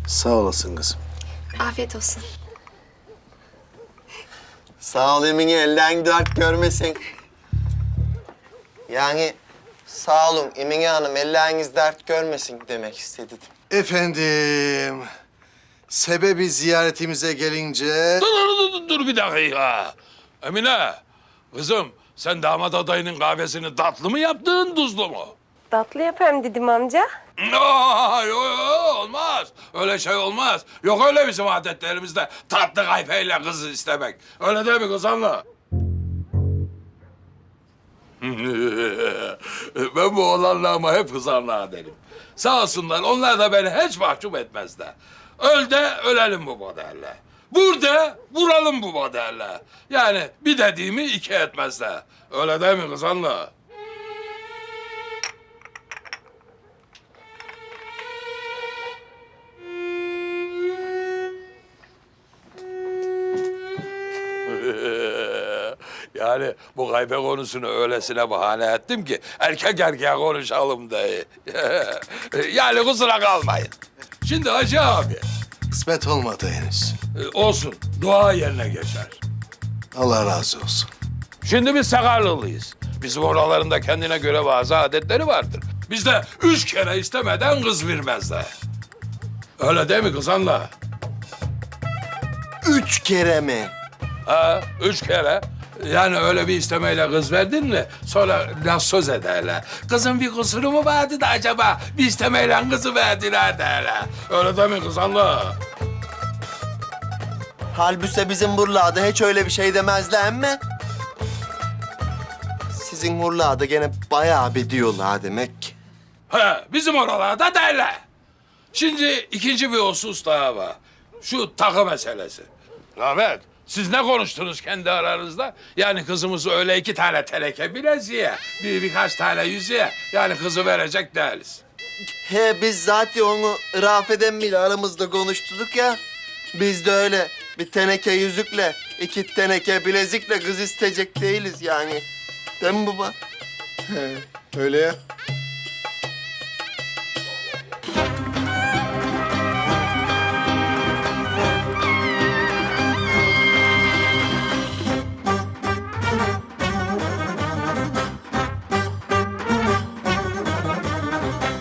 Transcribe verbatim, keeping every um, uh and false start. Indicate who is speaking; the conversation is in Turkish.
Speaker 1: Sağ olasın kızım.
Speaker 2: Afiyet olsun.
Speaker 3: Sağ ol Emine, elden dert görmesin. Yani sağ olun Emine Hanım, elleriniz dert görmesin demek istedim.
Speaker 1: Efendim, sebebi ziyaretimize gelince...
Speaker 4: Dur, dur, dur, dur bir dakika. Emine, kızım sen damat adayının kahvesini tatlı mı yaptın, tuzlu mu?
Speaker 2: Tatlı yapayım dedim amca.
Speaker 4: Aa, yo, yo, olmaz. Öyle şey olmaz. Yok öyle bizim adetlerimizde tatlı kahveyle kızı istemek. Öyle değil mi kız anla? Ben bu oğlanlarıma hep kızanlığa derim. Sağ olsunlar, onlar da beni hiç mahcup etmezler. Öl de ölelim bu modellerle. Vur de vuralım bu modellerle. Yani bir dediğimi iki etmezler. Öyle değil mi kız anla? Yani bu gaybe konusunu öylesine bahane ettim ki erkek erkeğe konuşalım diye. Yani kusura kalmayın. Şimdi Hacı abi,
Speaker 1: Kısmet olmadı henüz.
Speaker 4: e, olsun dua yerine geçer.
Speaker 1: Allah razı olsun.
Speaker 4: Şimdi biz Sakarlılıyız. Bizim oralarında kendine göre bazı adetleri vardır. Bizde üç kere istemeden kız vermezler. Öyle değil mi kız anla?
Speaker 3: Üç kere mi?
Speaker 4: Ha, üç kere. Yani öyle bir istemeyle kız verdin mi sonra laf söz ederler. Kızın bir kusuru mu vardı da acaba bir istemeyle kızı verdiler derler. Öyle değil mi kız anla?
Speaker 3: Halbuki bizim buralarda hiç öyle bir şey demezler mi? Sizin buralarda gene bayağı bir diyorlar demek ki.
Speaker 4: He, bizim oralarda derler. Şimdi ikinci bir husus daha var. Şu takı meselesi. Rahmet, siz ne konuştunuz kendi aranızda? Yani kızımızı öyle iki tane teneke bileziğe, bir birkaç tane yüzüğe, yani kızı verecek değiliz.
Speaker 3: He biz zaten onu Rafet'en bile aramızda konuştuk ya. Biz de öyle bir teneke yüzükle, iki teneke bilezikle kız isteyecek değiliz yani. Değil mi baba? He, öyle ya.